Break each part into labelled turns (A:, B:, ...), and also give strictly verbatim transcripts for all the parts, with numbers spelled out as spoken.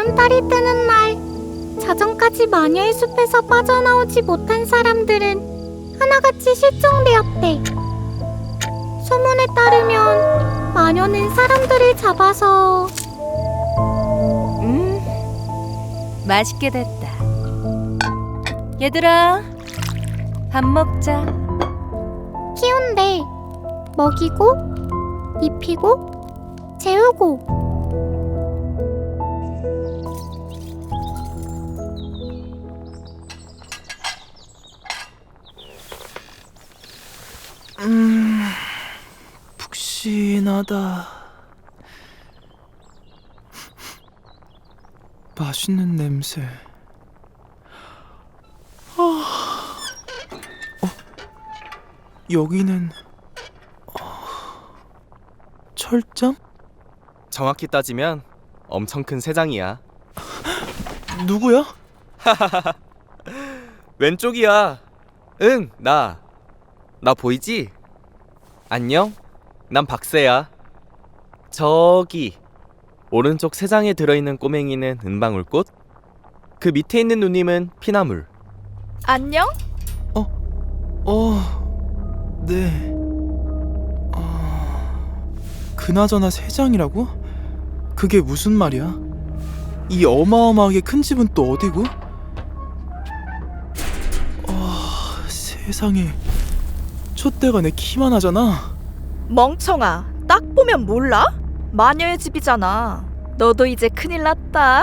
A: 보름달이 뜨는 날, 자정까지 마녀의 숲에서 빠져나오지 못한 사람들은 하나같이 실종되었대. 소문에 따르면 마녀는 사람들을 잡아서
B: 음, 맛있게 됐다. 얘들아, 밥 먹자.
A: 키운대. 먹이고, 입히고, 재우고.
C: 음, 푹신하다. 맛있는 냄새. 아, 어, 여기는 어, 철장?
D: 정확히 따지면 엄청 큰 새장이야.
C: 누구야?
D: 왼쪽이야. 응, 나. 나 보이지? 안녕? 난 박새야. 저기 오른쪽 새장에 들어있는 꼬맹이는 은방울꽃, 그 밑에 있는 누님은 피나물.
B: 안녕?
C: 어, 네. 어, 그나저나 새장이라고? 그게 무슨 말이야? 이 어마어마하게 큰 집은 또 어디고? 어, 세상에, 촛대가 내 키만 하잖아.
E: 멍청아, 딱 보면 몰라? 마녀의 집이잖아. 너도 이제 큰일 났다.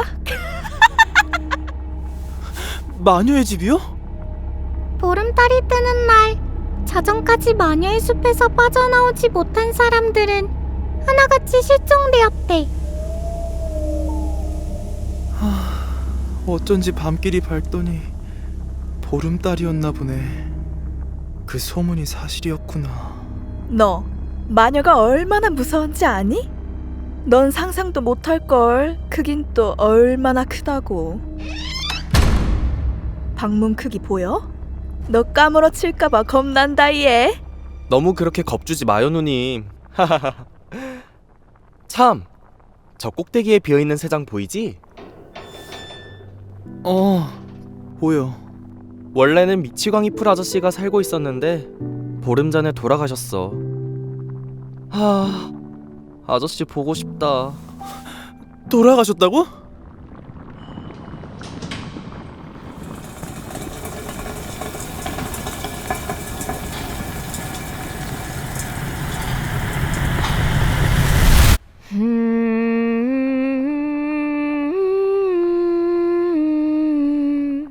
C: 마녀의 집이요?
A: 보름달이 뜨는 날, 자정까지 마녀의 숲에서 빠져나오지 못한 사람들은 하나같이 실종되었대.
C: 어쩐지 밤길이 밝더니 보름달이었나 보네. 그 소문이 사실이었구나.
E: 너 마녀가 얼마나 무서운지 아니? 넌 상상도 못할걸. 크긴 또 얼마나 크다고. 방문 크기 보여? 너 까무러칠까봐 겁난다 얘.
D: 너무 그렇게 겁주지 마요, 누님. 참, 저 꼭대기에 비어있는 새장 보이지?
C: 어, 보여.
D: 원래는 미치광이 풀 아저씨가 살고 있었는데 보름 전에 돌아가셨어. 하, 아저씨 보고 싶다.
C: 돌아가셨다고?
A: 음...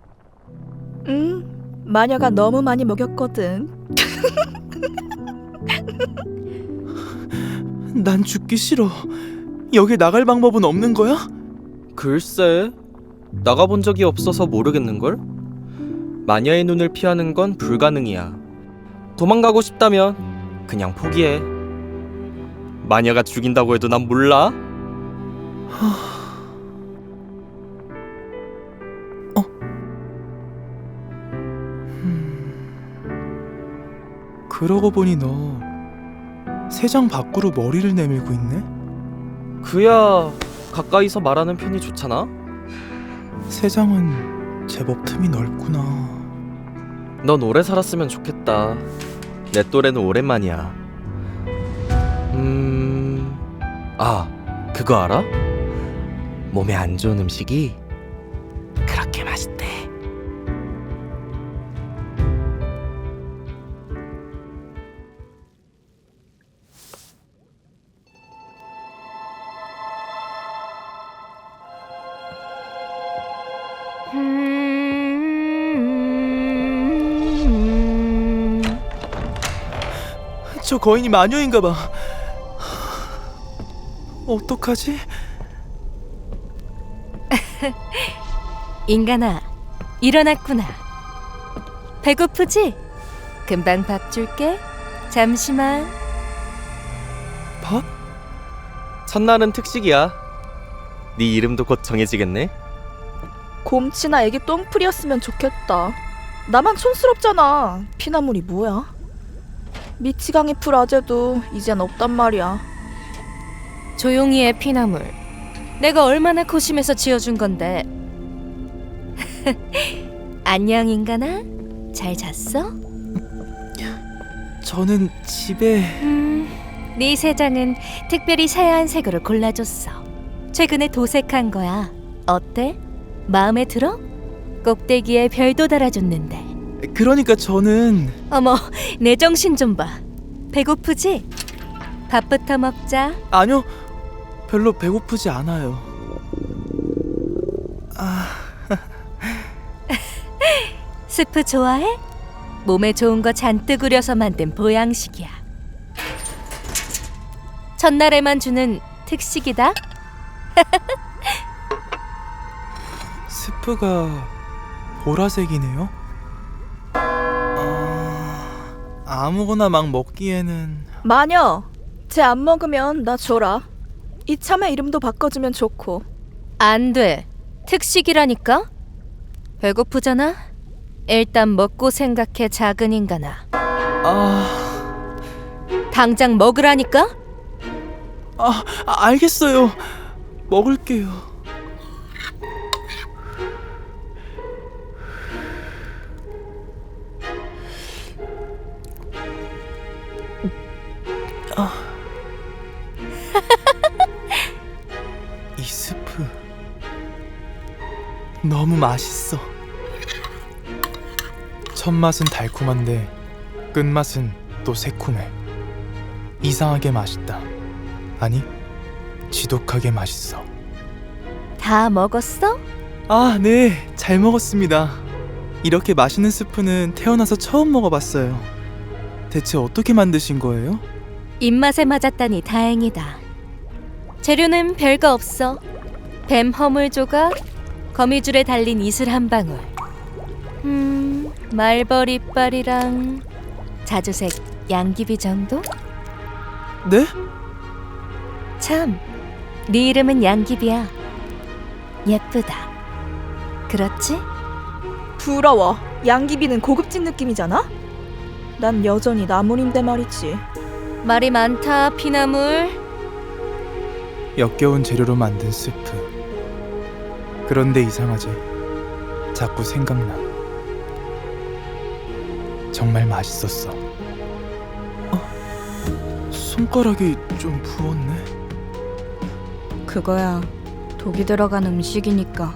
E: 응, 마녀가 너무 많이 먹였거든.
C: 난 죽기 싫어. 여기 나갈 방법은 없는 거야?
D: 글쎄, 나가본 적이 없어서 모르겠는걸? 마녀의 눈을 피하는 건 불가능이야. 도망가고 싶다면 그냥 포기해. 마녀가 죽인다고 해도 난 몰라.
C: 어? 음... 그러고 보니 너 새장 밖으로 머리를 내밀고 있네?
D: 그야 가까이서 말하는 편이 좋잖아.
C: 새장은 제법 틈이 넓구나.
D: 넌 오래 살았으면 좋겠다. 내 또래는 오랜만이야. 음... 아, 그거 알아? 몸에 안 좋은 음식이 그렇게 맛있대.
A: 음...
C: 저 거인이 마녀인가 봐. 어떡하지?
B: 인간아, 일어났구나. 배고프지? 금방 밥 줄게. 잠시만.
C: 밥?
D: 첫날은 특식이야. 네 이름도 곧 정해지겠네.
E: 곰치나 애기 똥풀이었으면 좋겠다. 나만 촌스럽잖아. 피나물이 뭐야? 미치광이 풀 아재도 이젠 없단 말이야.
B: 조용히 해, 피나물. 내가 얼마나 고심해서 지어준 건데. 안녕 인간아. 잘 잤어?
C: 저는 집에...
B: 음, 네 세장은 특별히 사야한 색으로 골라줬어. 최근에 도색한 거야. 어때? 마음에 들어? 꼭대기에 별도 달아줬는데.
C: 그러니까 저는...
B: 어머, 내 정신 좀 봐. 배고프지? 밥부터 먹자.
C: 아니요, 별로 배고프지 않아요. 아...
B: 스프 좋아해? 몸에 좋은 거 잔뜩 우려서 만든 보양식이야. 첫날에만 주는 특식이다.
C: 스프가 보라색이네요? 아... 아무거나 막 먹기에는...
E: 마녀, 쟤 안 먹으면 나 줘라. 이참에 이름도 바꿔주면 좋고.
B: 안 돼. 특식이라니까. 배고프잖아? 일단 먹고 생각해, 작은 인간아.
C: 아...
B: 당장 먹으라니까?
C: 아, 아, 알겠어요. 먹을게요. 아. 이 스프 너무 맛있어. 첫 맛은 달콤한데 끝맛은 또 새콤해. 이상하게 맛있다. 아니, 지독하게 맛있어.
B: 다 먹었어?
C: 아, 네, 잘 먹었습니다. 이렇게 맛있는 스프는 태어나서 처음 먹어봤어요. 대체 어떻게 만드신 거예요?
B: 입맛에 맞았다니 다행이다. 재료는 별거 없어. 뱀 허물 조각, 거미줄에 달린 이슬 한 방울. 음, 말벌 이빨이랑 자주색 양귀비 정도?
C: 네?
B: 참, 네 이름은 양귀비야. 예쁘다. 그렇지?
E: 부러워. 양귀비는 고급진 느낌이잖아? 난 여전히 나물인데 말이지.
B: 말이 많다, 피나물.
C: 역겨운 재료로 만든 스프. 그런데 이상하지. 자꾸 생각나. 정말 맛있었어. 어? 손가락이 좀 부었네.
A: 그거야 독이 들어간 음식이니까.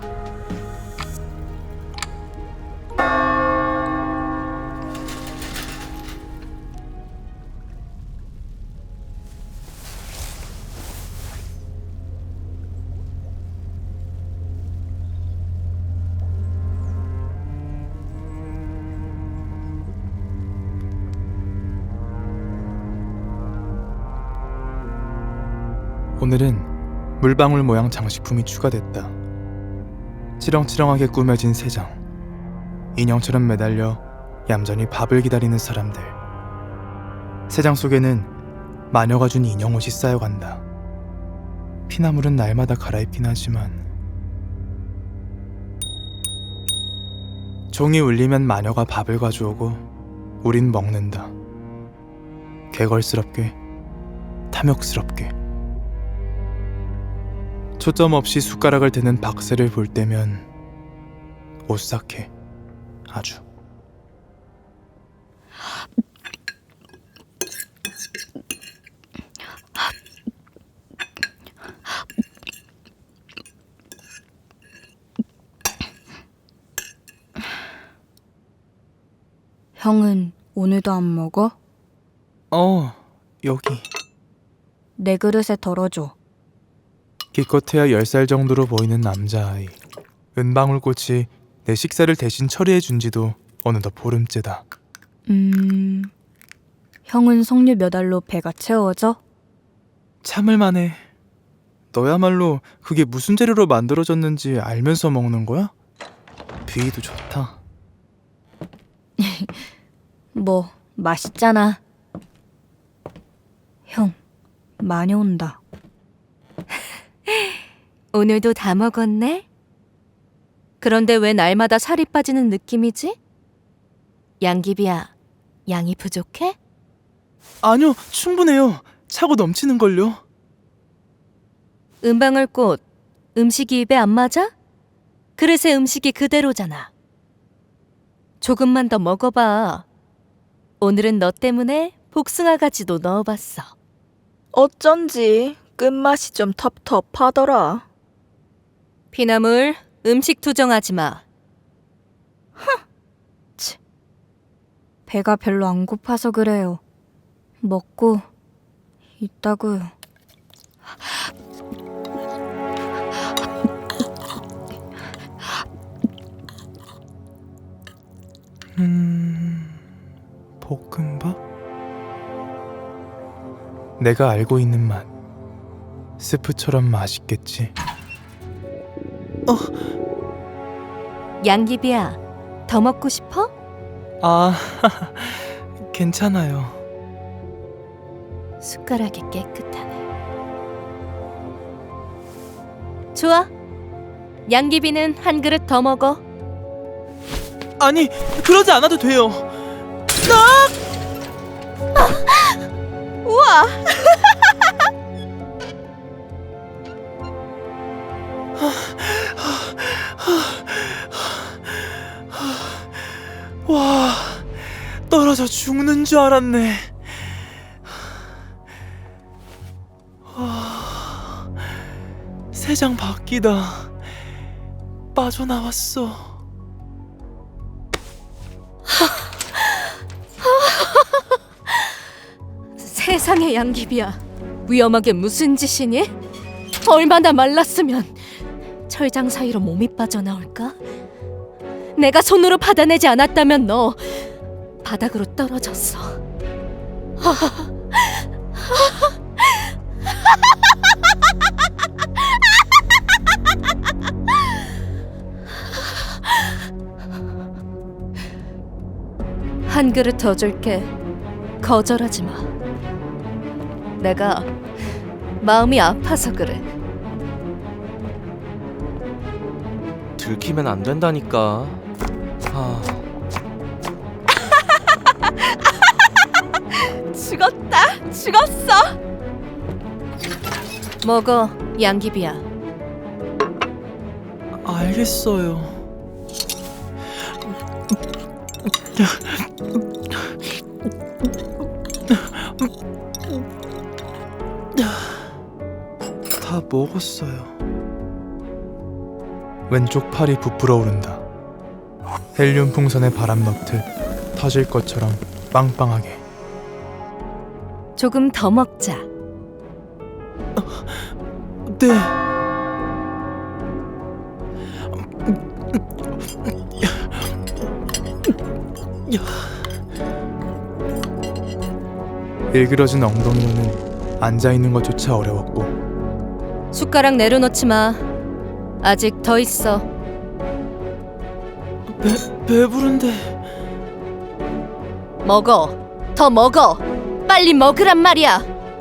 C: 오늘은 물방울 모양 장식품이 추가됐다. 치렁치렁하게 꾸며진 세장, 인형처럼 매달려 얌전히 밥을 기다리는 사람들. 세장 속에는 마녀가 준 인형 옷이 쌓여간다. 피나물은 날마다 갈아입긴 하지만 종이 울리면 마녀가 밥을 가져오고 우린 먹는다. 개걸스럽게, 탐욕스럽게. 초점 없이 숟가락을 대는 박새를 볼 때면 오싹해. 아주.
A: 형은 오늘도 안 먹어?
C: 어, 여기.
A: 내 그릇에 덜어줘.
C: 기껏해야 열 살 정도로 보이는 남자아이. 은방울꽃이 내 식사를 대신 처리해준 지도 어느덧 보름째다.
A: 음... 형은 석류 몇 알로 배가 채워져?
C: 참을만해. 너야말로 그게 무슨 재료로 만들어졌는지 알면서 먹는 거야? 비위도 좋다.
A: 뭐 맛있잖아. 형, 많이 온다.
B: 오늘도 다 먹었네? 그런데 왜 날마다 살이 빠지는 느낌이지? 양귀비야, 양이 부족해?
C: 아니요, 충분해요. 차고 넘치는걸요.
B: 은방울꽃, 음식이 입에 안 맞아? 그릇에 음식이 그대로잖아. 조금만 더 먹어봐. 오늘은 너 때문에 복숭아 가지도 넣어봤어.
E: 어쩐지 끝맛이 좀 텁텁하더라.
B: 피나물, 음식 투정하지 마.
A: 배가 별로 안 고파서 그래요. 먹고 있다고요.
C: 음... 볶음밥? 내가 알고 있는 맛. 스프처럼 맛있겠지.
B: 양귀비야, 더 먹고 싶어?
C: 아, 괜찮아요.
B: 숟가락이 깨끗하네. 좋아. 양귀비는 한 그릇 더 먹어.
C: 아니, 그러지 않아도 돼요.
E: 우와!
C: 와, 떨어져 죽는 줄 알았네. 와, 세장 바뀌다. 빠져나왔어.
B: 세상에 양귀비야. 위험하게 무슨 짓이니? 얼마나 말랐으면 철장 사이로 몸이 빠져나올까? 내가 손으로 받아내지 않았다면 너 바닥으로 떨어졌어. 한 그릇 더 줄게. 거절하지 마. 내가 마음이 아파서 그래.
D: 들키면 안 된다니까. 아,
E: 죽었다! 죽었어!
B: 먹어, 양귀비야.
C: 알겠어요. 다 먹었어요. 왼쪽 팔이 부풀어 오른다. 헬륨 풍선에 바람 넣듯 터질 것처럼 빵빵하게.
B: 조금 더 먹자.
C: 네. 일그러진 엉덩이로는 앉아있는 것조차 어려웠고.
B: 숟가락 내려놓지 마. 아직 더 있어.
C: 배, 배부른데.
B: 먹어. 더 먹어. 빨리 먹으란 말이야.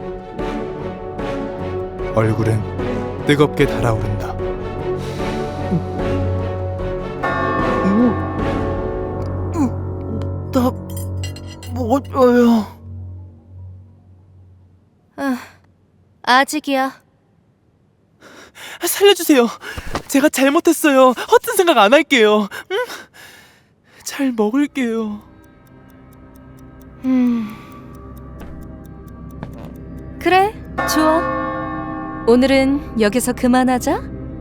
C: 얼굴은 뜨겁게 달아오른다. 나 먹어요.
B: 아, 아직이야.
C: 살려주세요. 제가 잘못했어요. 허튼 생각 안 할게요. 응? 잘 먹을게요.
B: 음. 그래, 좋아. 오늘은 여기서 그만하자.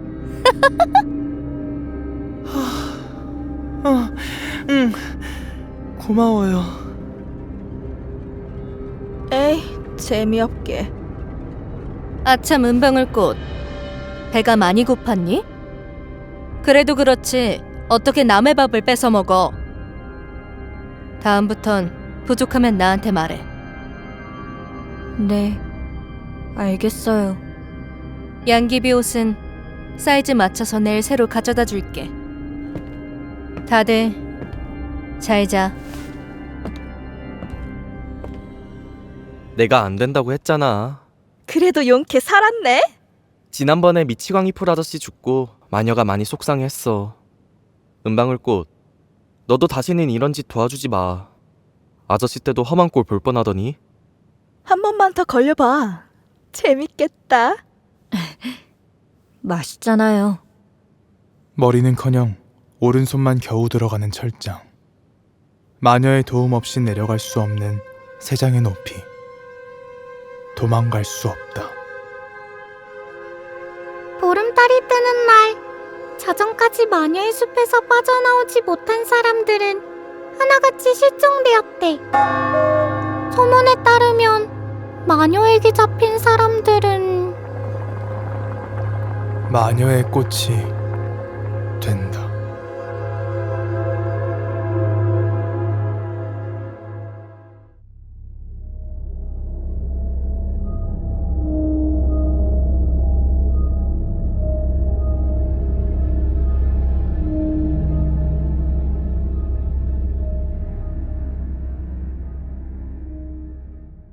C: 어, 응, 고마워요.
E: 에이, 재미없게.
B: 아참 은방울꽃. 배가 많이 고팠니? 그래도 그렇지 어떻게 남의 밥을 뺏어 먹어. 다음부턴 부족하면 나한테 말해.
A: 네, 알겠어요.
B: 양귀비 옷은 사이즈 맞춰서 내일 새로 가져다 줄게. 다들 잘 자.
D: 내가 안 된다고 했잖아.
E: 그래도 용케 살았네?
D: 지난번에 미치광이풀 아저씨 죽고 마녀가 많이 속상했어. 은방울꽃, 너도 다시는 이런 짓 도와주지 마. 아저씨 때도 험한 꼴 볼 뻔하더니.
E: 한 번만 더 걸려봐. 재밌겠다.
A: 맛있잖아요.
C: 머리는커녕 오른손만 겨우 들어가는 철장. 마녀의 도움 없이 내려갈 수 없는 세 장의 높이. 도망갈 수 없다.
F: 보름달이 뜨는 날, 자정까지 마녀의 숲에서 빠져나오지 못한 사람들은 하나같이 실종되었대. 소문에 따르면 마녀에게 잡힌 사람들은
C: 마녀의 꽃이 된다.